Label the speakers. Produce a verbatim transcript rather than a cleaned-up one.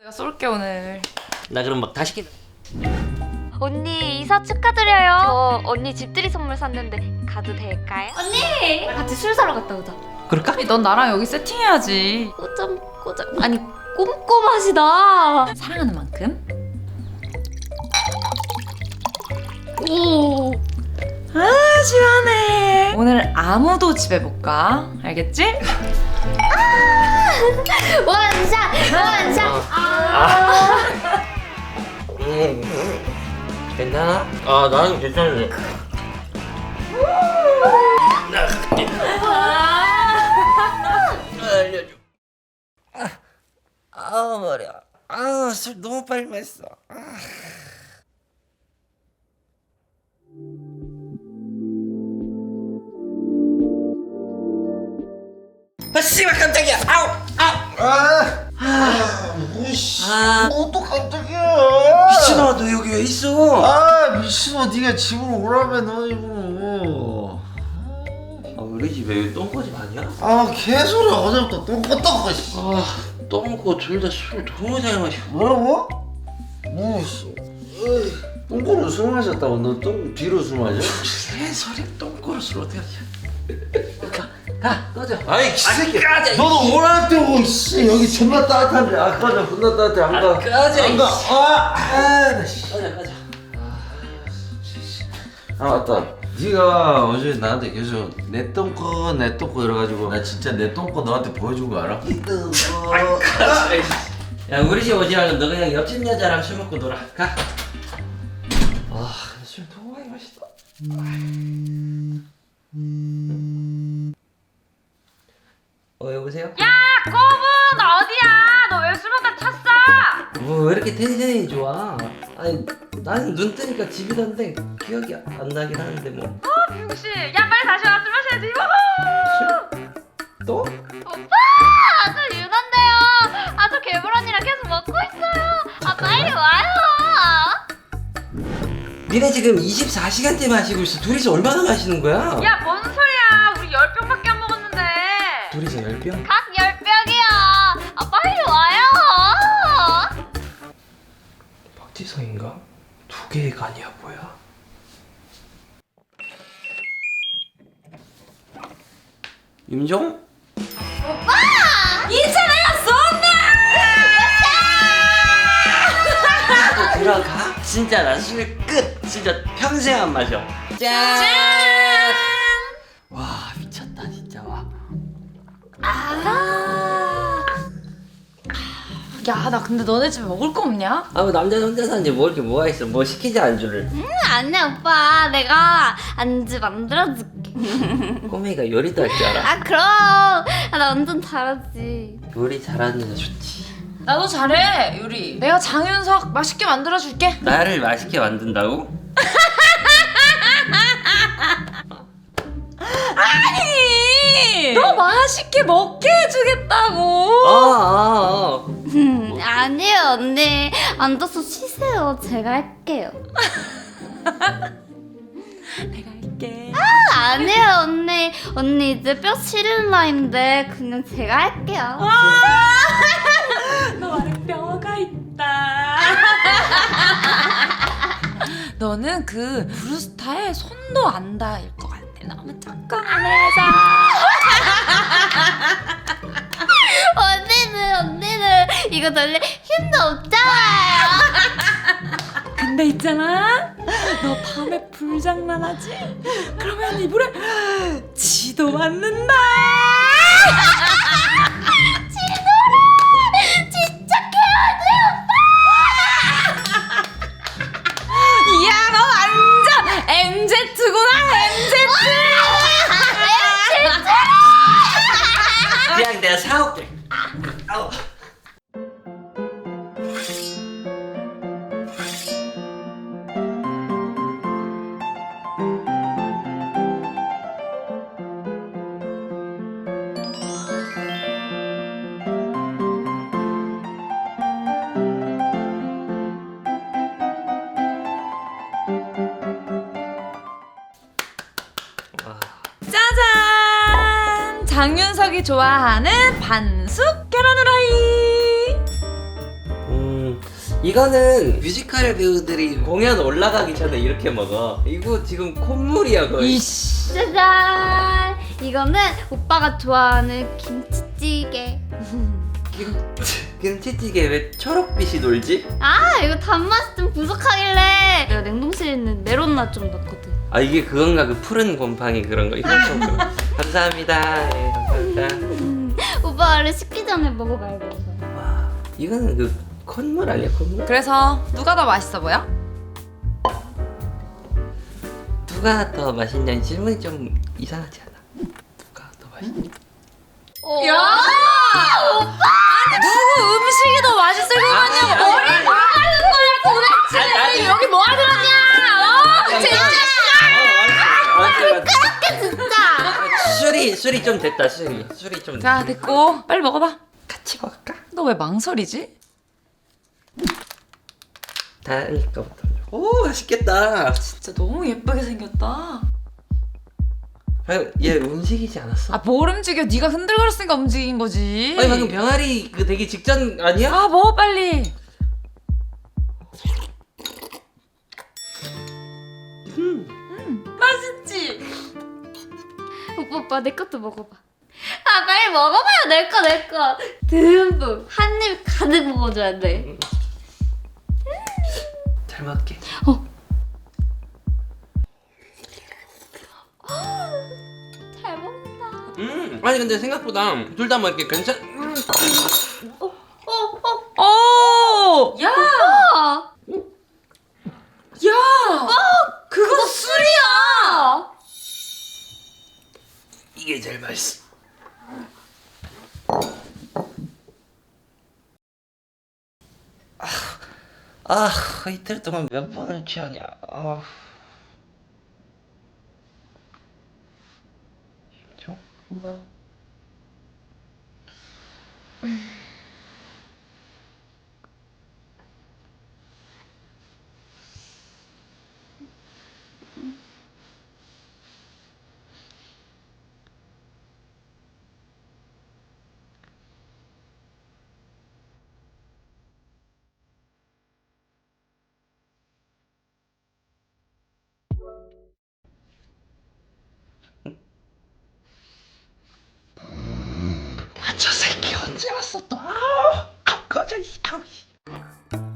Speaker 1: 내가 쏠게 오늘.
Speaker 2: 나 그럼 막 다 시킨다.
Speaker 3: 언니 이사 축하드려요. 저 언니 집들이 선물 샀는데 가도 될까요? 언니 같이 술 사러 갔다 오자.
Speaker 2: 그럴까?
Speaker 1: 넌 나랑 여기 세팅해야지.
Speaker 3: 꼬점 꼬점 아니 꼼꼼하시다.
Speaker 1: 사랑하는 만큼.
Speaker 3: 오.
Speaker 1: 아 시원해. 오늘 아무도 집에 못 가. 알겠지?
Speaker 3: 원샷 원샷.
Speaker 2: 아. 음. 괜찮아? 아 나는 괜찮은데. 알려줘. 아, 아 머리야. 아술 너무 빨리 마셨어. 아. 아 씨발 깜짝이야. 아우 아우.
Speaker 4: 아, 뭐씨.
Speaker 2: 아.
Speaker 4: 뭐 또 깜짝이야.
Speaker 2: 미친아 너 여기 왜 있어?
Speaker 4: 아, 미친아, 네가 집으로 오라며, 너 집으로.
Speaker 2: 아 우리 집에 여기 똥꼬집 아니야?
Speaker 4: 아, 개소리야. 어제부터 똥 껐다고, 씨.
Speaker 2: 아 똥꼬 둘 다 술 너무 잘 마셔.
Speaker 4: 뭐라고? 뭐, 씨. 똥꼬로 술 마셨다고? 너 똥 뒤로 술 마셔?
Speaker 2: 개소리야 똥꼬로 술 어떻게 마셔? 가, 가 꺼져.
Speaker 4: 아이, 새끼.
Speaker 2: 까자.
Speaker 4: 너도 오라 때고, 씨. 여기 존나 따뜻한데. 아, 꺼져. 존나 따뜻해. 안 가.
Speaker 2: 아, 꺼져,
Speaker 4: 안 가.
Speaker 2: 이씨.
Speaker 4: 아, 아, 나 씨.
Speaker 2: 꺼져 꺼져.
Speaker 4: 아 맞다. 네가 어제 나한테 계속 내 똥꼬 내 똥꼬 이래가지고 나 진짜 내 똥꼬 너한테 보여준 거 알아? 이 똥꼬.
Speaker 2: 야 우리 집 오지 말고 너 그냥 옆집 여자랑 술 먹고 놀아. 가. 아 술 너무 많이 마셨다. 어 여보세요?
Speaker 1: 야 꼬분 어디야? 너 왜 술 먹다 찼어?
Speaker 2: 뭐 왜 이렇게 텐션이 좋아? 아니 나는 눈 뜨니까 집이던데 기억이 안 나긴 하는데 뭐.
Speaker 1: 혹시 야 빨리 다시 와 술 마셔야지. 우후!
Speaker 2: 또?
Speaker 3: 오빠 저 유난데요. 아 저 개불 언니랑 계속 먹고 있어요. 아 빨리 와요.
Speaker 2: 니네 지금 이십사 시간째 마시고 있어. 둘이서 얼마나 마시는 거야?
Speaker 1: 야 뭔 소리야? 우리 열 병밖에 안 먹었는데.
Speaker 2: 둘이서 열 병?
Speaker 3: 각 열 병이야. 아 빨리 와요.
Speaker 2: 박지성인가? 두 개의 간이야 뭐야? 임종?
Speaker 1: 이찬아야 쏜다!
Speaker 2: 나도 들어가? 진짜 나 술 끝! 진짜 평생 안 마셔. 짠! 와 미쳤다 진짜 와.
Speaker 1: 야 나 근데 너네 집에 먹을 거 없냐?
Speaker 2: 아 뭐 남자 혼자 사는데 뭐 이렇게 뭐가 있어? 뭐 시키지 안주를.
Speaker 3: 응 아니야 오빠 내가 안주 만들어줄게.
Speaker 2: 꼬맹이가 요리도 할 줄 알아.
Speaker 3: 아 그럼 아, 나 완전 잘하지.
Speaker 2: 요리 잘하는 여자 좋지.
Speaker 1: 나도 잘해 요리. 내가 장윤석 맛있게 만들어 줄게.
Speaker 2: 나를 맛있게 만든다고?
Speaker 1: 아니 너 맛있게 먹게 해주겠다고.
Speaker 2: 어어 어.
Speaker 3: 음, 아니에요 언니 앉아서 쉬세요. 제가 할게요.
Speaker 1: 내가 할게.
Speaker 3: 아, 아니에요 언니. 언니 이제 뼈 시린 나이인데 그냥 제가 할게요.
Speaker 1: 너 안에 뼈가 있다. 너는 그 브루스타의 손도 안 닿을 것 같아. 너무 조그만해서.
Speaker 3: 언니는 언니는 이거 돌릴 힘도 없잖아요.
Speaker 1: 근데 있잖아, 너 밤에 불장난하지? 그러면 이불에 지도 맞는다.
Speaker 3: 지도래 진짜
Speaker 1: 이야 너 완전 엠제트구나 엠제트.
Speaker 2: 그냥 내가 사올게. 아우.
Speaker 1: 짜잔! 장윤석이 좋아하는 반숙 계란 후라이.
Speaker 2: 음 이거는 뮤지컬 배우들이 공연 올라가기 전에 이렇게 먹어. 이거 지금 콧물이야 거의.
Speaker 1: 이씨.
Speaker 3: 짜잔! 이거는 오빠가 좋아하는 김치찌개.
Speaker 2: 김, 김치찌개 왜 초록빛이 돌지?
Speaker 3: 아, 이거 단맛이 좀 부족하길래 내가 냉동실에 있는 메론맛 좀 넣거든.
Speaker 2: 아 이게 그건가 그 푸른 곰팡이 그런 거. 이거 좀 그런 거. 감사합니다. 네, 감사합니다.
Speaker 3: 음, 오빠 원래 식기 전에 먹어봐야 돼. 이거.
Speaker 2: 와 이거는 그 콧물 아니야 콧물?
Speaker 1: 그래서 누가 더 맛있어 보여?
Speaker 2: 누가 더 맛있냐는 질문이 좀 이상하지 않아? 누가 더 맛있냐?
Speaker 1: 야! 아니 누구 음식이 더 맛있을 것 같냐고 머리 뭐 하는 거야 도대체 여기 뭐 하는 거냐? 어? 진짜
Speaker 3: 진짜!
Speaker 2: 술이 술이 좀 됐다 술이 술이 좀
Speaker 1: 자 됐고 빨리 먹어봐.
Speaker 2: 같이 먹을까?
Speaker 1: 너 왜 망설이지?
Speaker 2: 다른 거부터 오 맛있겠다.
Speaker 1: 진짜 너무 예쁘게 생겼다.
Speaker 2: 방금 얘 움직이지 않았어?
Speaker 1: 아 뭘 움직여? 네가 흔들거렸으니까 움직인 거지.
Speaker 2: 아니 방금 병아리 그 되기 직전 아니야?
Speaker 1: 아 먹어 빨리. 음. 맛있지?
Speaker 3: 오빠 오빠 내 것도 먹어봐. 아 빨리 먹어봐요. 내 거 내 거. 듬뿍 한 입 가득 먹어줘야 돼.
Speaker 2: 잘 먹을게.
Speaker 3: 잘 먹는다.
Speaker 2: 음 아니 근데 생각보다 둘 다 뭐 이렇게 괜찮. 음.
Speaker 3: 어 어.
Speaker 1: 오! 야!
Speaker 3: 아,
Speaker 1: 야! 그건 술이야!
Speaker 2: 이게 제일 맛있어. 아, 아 이틀 동안 몇 번을 취하냐. 아. 뭐? 저 새끼 언제 왔어 또? 아, 꺼져 이.